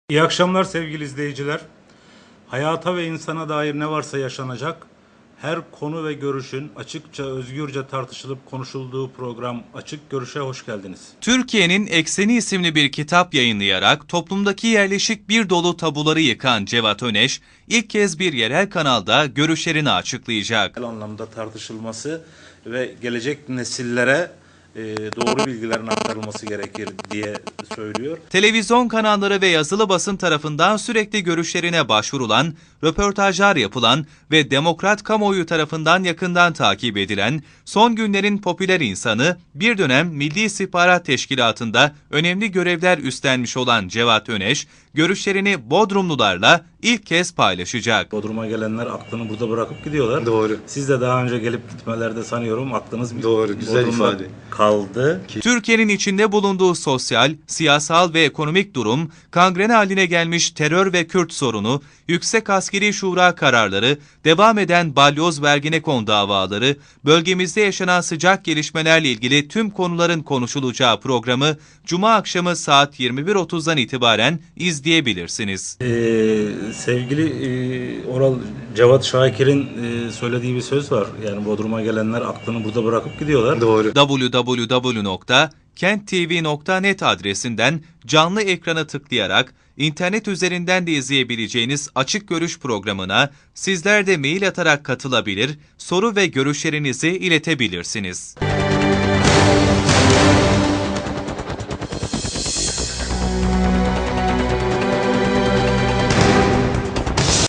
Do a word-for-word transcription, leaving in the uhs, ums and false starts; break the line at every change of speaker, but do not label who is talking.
İyi akşamlar sevgili izleyiciler. Hayata ve insana dair ne varsa yaşanacak, her konu ve görüşün açıkça, özgürce tartışılıp konuşulduğu program Açık Görüş'e hoş geldiniz.
Türkiye'nin Ekseni isimli bir kitap yayınlayarak toplumdaki yerleşik bir dolu tabuları yıkan Cevat Öneş, ilk kez bir yerel kanalda görüşlerini açıklayacak.
Bu anlamda tartışılması ve gelecek nesillere e, doğru bilgilerin aktarılması gerekir diye söylüyor.
Televizyon kanalları ve yazılı basın tarafından sürekli görüşlerine başvurulan, röportajlar yapılan ve demokrat kamuoyu tarafından yakından takip edilen, son günlerin popüler insanı, bir dönem Milli İstihbarat Teşkilatı'nda önemli görevler üstlenmiş olan Cevat Öneş, görüşlerini Bodrumlularla ilk kez paylaşacak.
Bodrum'a gelenler aklını burada bırakıp gidiyorlar.
Doğru.
Siz de daha önce gelip gitmelerde sanıyorum aklınız
Doğru, güzel
Bodrum'da
ifade.
kaldı.
Türkiye'nin içinde bulunduğu sosyal, siyasal ve ekonomik durum, kangren haline gelmiş terör ve Kürt sorunu, Yüksek Askeri Şura kararları, devam eden balyoz ve Ergenekon davaları, bölgemizde yaşanan sıcak gelişmelerle ilgili tüm konuların konuşulacağı programı Cuma akşamı saat yirmi bir otuzdan itibaren izleyebilirsiniz.
Ee, sevgili e, Oral Cevat Şakir'in e, söylediği bir söz var. Yani Bodrum'a gelenler aklını burada bırakıp gidiyorlar.
Doğru.
double-u double-u double-u nokta kent t v nokta net adresinden canlı ekrana tıklayarak internet üzerinden de izleyebileceğiniz Açık Görüş programına sizler de mail atarak katılabilir, soru ve görüşlerinizi iletebilirsiniz.